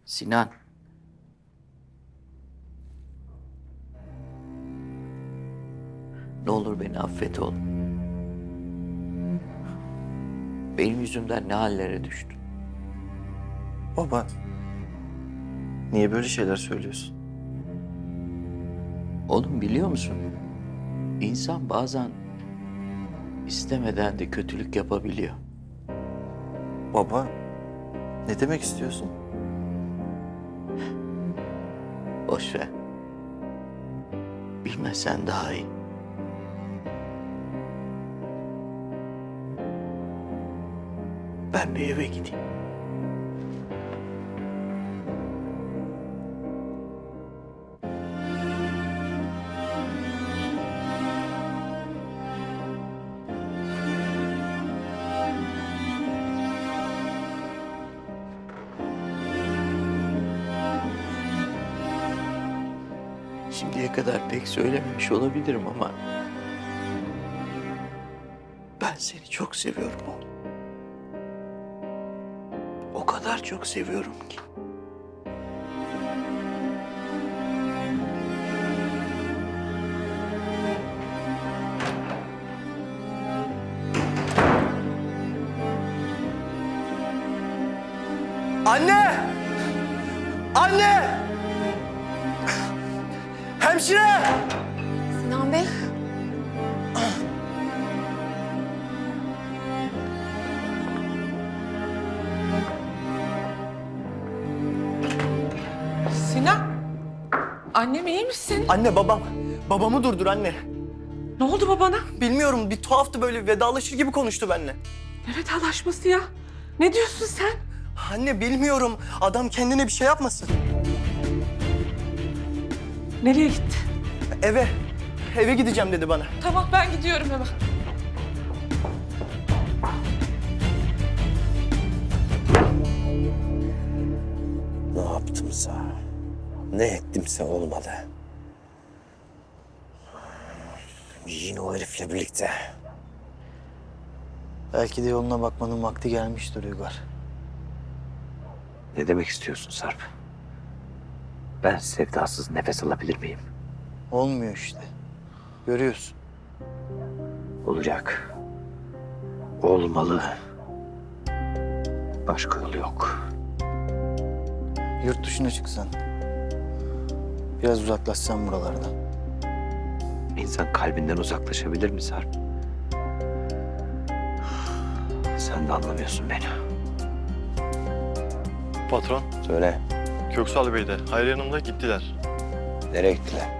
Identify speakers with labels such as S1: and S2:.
S1: Sinan. Ne olur beni affet oğlum. Benim yüzümden ne hallere düştün.
S2: Baba, niye böyle şeyler söylüyorsun?
S1: Oğlum biliyor musun? İnsan bazen istemeden de kötülük yapabiliyor.
S2: Baba, ne demek istiyorsun?
S1: Boş ver. Bilmesen daha iyi. Ben bir eve gideyim. Şimdiye kadar pek söylememiş olabilirim ama ben seni çok seviyorum oğlum. O kadar çok seviyorum ki.
S2: Anne! Anne! Hemşire!
S3: Sinan Bey.
S4: Sinan. Annem iyi misin?
S2: Anne, babam. Babamı durdur anne.
S4: Ne oldu babana?
S2: Bilmiyorum, bir tuhaftı, böyle vedalaşır gibi konuştu benimle.
S4: Ne vedalaşması ya? Ne diyorsun sen?
S2: Anne, bilmiyorum. Adam kendine bir şey yapmasın.
S4: Nereye gitti?
S2: Eve. Eve gideceğim dedi bana.
S4: Tamam ben gidiyorum hemen.
S5: Ne yaptımsa, ne ettimse olmadı. Yine o herifle birlikte.
S6: Belki de yoluna bakmanın vakti gelmiştir Uygar.
S5: Ne demek istiyorsun Sarp? Ben sevdasız nefes alabilir miyim?
S6: Olmuyor işte. Görüyorsun.
S5: Olacak. Olmalı. Başka yolu yok.
S6: Yurt dışına çıksan. Biraz uzaklaşsan buralardan.
S5: İnsan kalbinden uzaklaşabilir mi Sarp? Sen de anlamıyorsun beni.
S7: Patron,
S5: Söyle,
S7: Köksal Bey de Hayri Hanım'la gittiler.
S5: nereye gittiler?